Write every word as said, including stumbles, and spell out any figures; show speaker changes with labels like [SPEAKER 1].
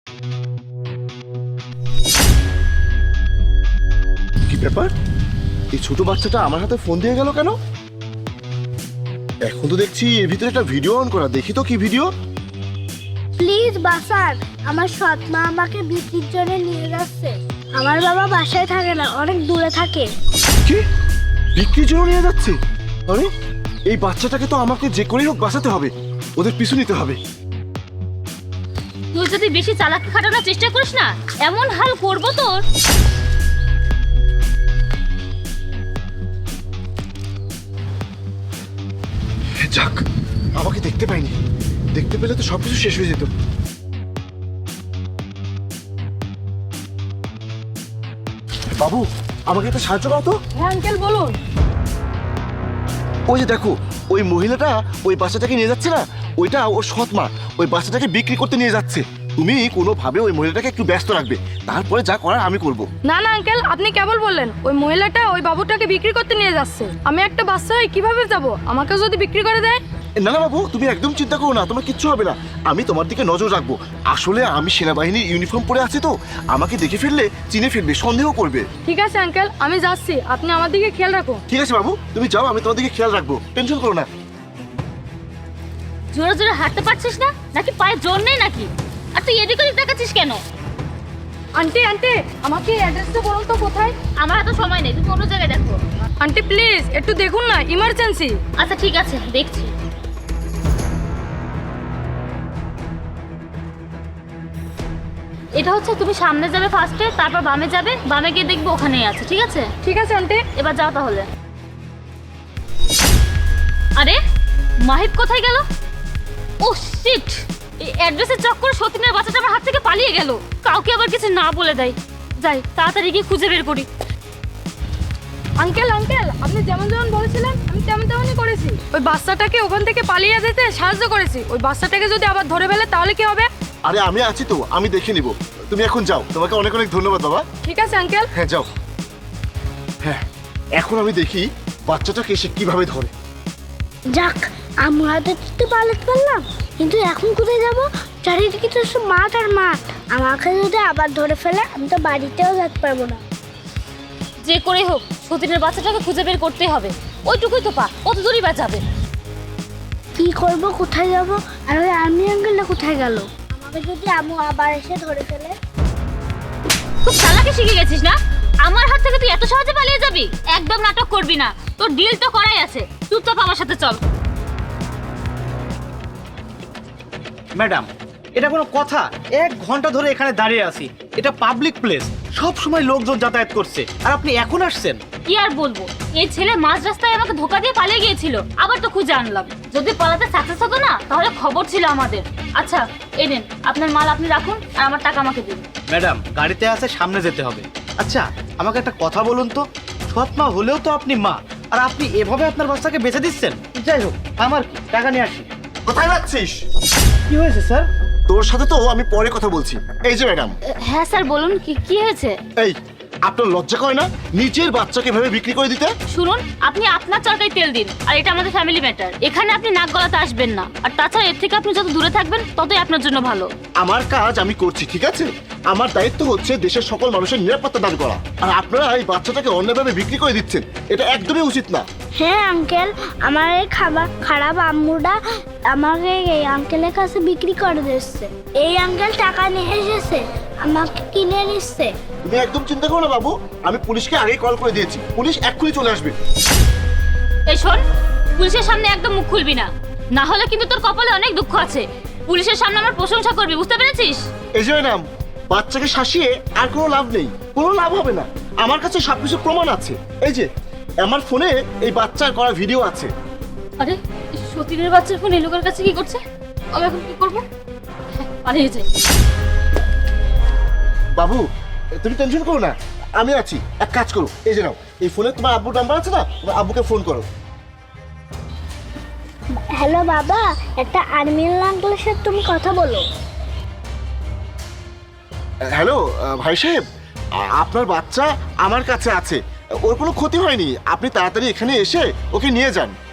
[SPEAKER 1] কি ব্যাপার, এই ছোট বাচ্চাটা আমার হাতে ফোন দিয়ে গেল কেন? এখন তো দেখছি এর ভিতরে একটা ভিডিও অন করা, দেখি তো কি ভিডিও।
[SPEAKER 2] প্লিজ বাসান, আমার সৎ মা আমাকে বিক্রির জন্য নিয়ে যাচ্ছে। আমার বাবা বাসায় থাকে না, অনেক দূরে থাকে।
[SPEAKER 1] কি বিক্রির জন্য নিয়ে যাচ্ছে? আরে এই বাচ্চাটাকে তো আমাকে যে করেই হোক বাঁচাতে হবে, ওদের পিছু নিতে হবে।
[SPEAKER 3] তুই যদি বেশি চালাকি খাটানোর চেষ্টা করিস না, এমন হাল করবো তোর।
[SPEAKER 1] যাক, আমাকে দেখতে পাইনি, দেখতে পেলে তো সবকিছু শেষ হয়ে যেত। বাবু, আমাকে একটা সাহায্য করো তো।
[SPEAKER 3] হ্যাঁ আঙ্কেল বলুন।
[SPEAKER 1] ওই যে দেখো, ওই মহিলাটা ওই বাচ্চাটাকে নিয়ে যাচ্ছে না, ওইটা ওর সৎ মা ওই বাচ্চাটাকে বিক্রি করতে নিয়ে যাচ্ছে। তুমি কোনোভাবে ওই মহিলাটাকে একটু ব্যস্ত রাখবে, তারপরে যা করার আমি করব।
[SPEAKER 4] না না আঙ্কেল, আপনি কেবল বললেন ওই মহিলাটা ওই বাবুটাকে বিক্রি করতে নিয়ে যাচ্ছে। আমি একটা বাচ্চা হয়ে কিভাবে যাব? আমাকে যদি বিক্রি করে দেয়?
[SPEAKER 1] না না বাবু, তুমি একদম চিন্তা করো না, তোমার কিচ্ছু হবে না। আমি তোমার দিকে নজর রাখবো। আসলে আমি সেনাবাহিনীর ইউনিফর্ম পরে আছি তো, আমাকে দেখে ফেললে চিনে ফেলবে, সন্দেহ করবে।
[SPEAKER 4] ঠিক আছে আঙ্কেল, আমি যাচ্ছি, আপনি আমার দিকে খেয়াল রাখুন।
[SPEAKER 1] ঠিক আছে বাবু, তুমি যাও, আমি তোমার দিকে খেয়াল রাখবো, টেনশন করো না।
[SPEAKER 3] জোরে জোরে হাঁটতে পারছিস না নাকি পায়ে জোর নেই নাকি? আর তুই এদিক ওদিক দেখাচ্ছিস কেন?
[SPEAKER 4] আন্টি আন্টি, আমাকে অ্যাড্রেসটা বলুন তো কোথায়?
[SPEAKER 3] আমার এত সময় নেই, তুমি অন্য জায়গায় দেখো।
[SPEAKER 4] আন্টি প্লিজ একটু দেখুন না, ইমার্জেন্সি।
[SPEAKER 3] আচ্ছা ঠিক আছে, দেখছি। এটা হচ্ছে তুমি সামনে যাবে ফার্স্টে, তারপর বামে যাবে, বামে গিয়ে দেখবে ওখানেই আছে। ঠিক আছে?
[SPEAKER 4] ঠিক আছে আন্টি।
[SPEAKER 3] এবার যাও তাহলে। আরে মাহিব কোথায় গেল? ও শিট, এই অ্যাড্রেসের চক্করে সতীনের বাচ্চাটা আমার হাত থেকে পালিয়ে গেল। কাউকে আবার কিছু না বলে দেয়। যাই তাড়াতাড়ি গিয়ে খুঁজে বের করি।
[SPEAKER 4] আঙ্কেল আঙ্কেল, আপনি যেমন যেমন বলেছিলেন আমি তেমন তেমনই করেছি। ওই বাচ্চাটাকে ওখান থেকে পালিয়ে যেতে সাহায্য করেছি। ওই বাচ্চাটাকে যদি আবার ধরে ফেলে তাহলে কি হবে?
[SPEAKER 1] আরে আমি আছি তো, আমি দেখে নিব। তুমি এখন যাও, তোমাকে অনেক অনেক ধন্যবাদ বাবা।
[SPEAKER 4] ঠিক আছে আঙ্কেল।
[SPEAKER 1] হ্যাঁ যাও। হ্যাঁ, এখন আমি দেখি বাচ্চাটাকে সে কিভাবে ধরে।
[SPEAKER 2] যাক, আমরা তো পালাতে পারলাম, কিন্তু এখন কোথায় যাব? চারিদিকে তো সব মাঠ আর মাঠ। আমাকে যদি আবার ধরে ফেলে, আমি তো বাড়িতেও যেতে পারবো না।
[SPEAKER 3] যে করে হোক সতীনের বাচ্চাটাকে খুঁজে বের করতে হবে। ওইটুকুই তো পা, কত দূরই বা যাবে?
[SPEAKER 2] কি করব, কোথায় যাব? আর ওই আর্মি আঙ্কেলটা কোথায় গেল? আমাকে যদি আমু আবার এসে ধরে ফেলে?
[SPEAKER 3] খুব চালাকি শিখে গেছিস না? আমার হাত থেকে তুই এত সহজে পালিয়ে যাবি? একদম নাটক করবি না, তোর ডিল তো করাই আছে। চুপচাপ আমার সাথে চল।
[SPEAKER 5] ম্যাডাম, এটা কোনো কথা? এক ঘন্টা ধরে এখানে দাঁড়িয়ে আছি, এটা পাবলিক প্লেস, সব সময় লোকজন যাতায়াত করছে, আর আপনি এখন আসছেন?
[SPEAKER 3] কি আর বলবো, এই ছেলে মাঝ রাস্তায় আমাকে ধোকা দিয়ে পালিয়ে গিয়েছিল, আবার তো খুঁজে আনলাম। যদি পালাতে সাকসেস হতো না, তাহলে খবর ছিল আমাদের। আচ্ছা এই নেন, আপনার মাল আপনি রাখুন, আর আমার টাকা আমাকে দিন।
[SPEAKER 5] ম্যাডাম, গাড়িতে আছে, সামনে যেতে হবে। আচ্ছা আমাকে একটা কথা বলুন তো, সৎ মা হলেও তো আপনি মা, আর আপনি এভাবে আপনার বাচ্চাকে বেঁচে দিচ্ছেন? যাই হোক, আমার কি, টাকা নিয়ে আসি।
[SPEAKER 1] কোথায় যাচ্ছিস?
[SPEAKER 5] কি হয়েছে স্যার?
[SPEAKER 1] তোর সাথে তো আমি পরে কথা বলছি। এই যে ম্যাডাম।
[SPEAKER 3] হ্যাঁ স্যার বলুন, কি কি হয়েছে?
[SPEAKER 1] এই, আপনার লজ্জা করে না নিজের বাচ্চাকে এভাবে বিক্রি করে দিতে?
[SPEAKER 3] শুনুন, আপনি আপনার চরকায় তেল দিন, আর এটা আমাদের ফ্যামিলি ম্যাটার। এখানে আপনি নাক গলাতে আসবেন না, আর তাছাড়া এর থেকে আপনি যত দূরে থাকবেন ততই আপনার জন্য ভালো।
[SPEAKER 1] আমার কাজ আমি করছি, ঠিক আছে? আমার দায়িত্ব হচ্ছে দেশের সকল মানুষের নিরাপত্তা দান করা, আর আপনারা এই বাচ্চাটাকে অন্যভাবে বিক্রি করে দিচ্ছেন, এটা একদমই উচিত না।
[SPEAKER 2] হ্যাঁ আঙ্কেল, আমার এই খাবার খারাপ আম্মুটা আমাকে এই আঙ্কেলের কাছে বিক্রি করে দিচ্ছে। এই আঙ্কেল টাকা নিয়ে এসেছে, আমাকে কিনে নিচ্ছে।
[SPEAKER 1] তুমি একদম চিন্তা করো না বাবু, আমি পুলিশকে আগেই কল করে দিয়েছি, পুলিশ এক্ষুনি চলে আসবে।
[SPEAKER 3] এই শোন, পুলিশের সামনে একদম মুখ খুলবি না, না হলে কিন্তু তোর কপালে অনেক দুঃখ আছে। পুলিশের সামনে আমার প্রশংসা করবি, বুঝতে পেরেছিস?
[SPEAKER 1] এই যে ম্যাডাম, বাচ্চাকে শাসিয়ে আর কোনো লাভ নেই, কোনো লাভ হবে না। আমার কাছে সবকিছু প্রমাণ আছে। এই যে আমার ফোনে এই বাচ্চার করা ভিডিও আছে।
[SPEAKER 3] আরে সতীনের বাচ্চার ফোন এই লোকের কাছে কি করছে? আমি এখন কি করবো? হ্যাঁ, পালিয়ে যাই।
[SPEAKER 1] বাবু তুমি টেনশন করো না, আমি আছি। এক কাজ করো, এই যে নাও, এই ফোনে তোমার আব্বুর নাম্বার আছে না, তোমার আব্বুকে ফোন করো।
[SPEAKER 2] হ্যালো বাবা, একটা আর্মি আঙ্কেলের সাথে তুমি কথা বলো।
[SPEAKER 1] হ্যালো ভাই সাহেব, আ- আপনার বাচ্চা আমার কাছে আছে, ওর কোনো ক্ষতি হয়নি। আপনি তাড়াতাড়ি এখানে এসে ওকে নিয়ে যান।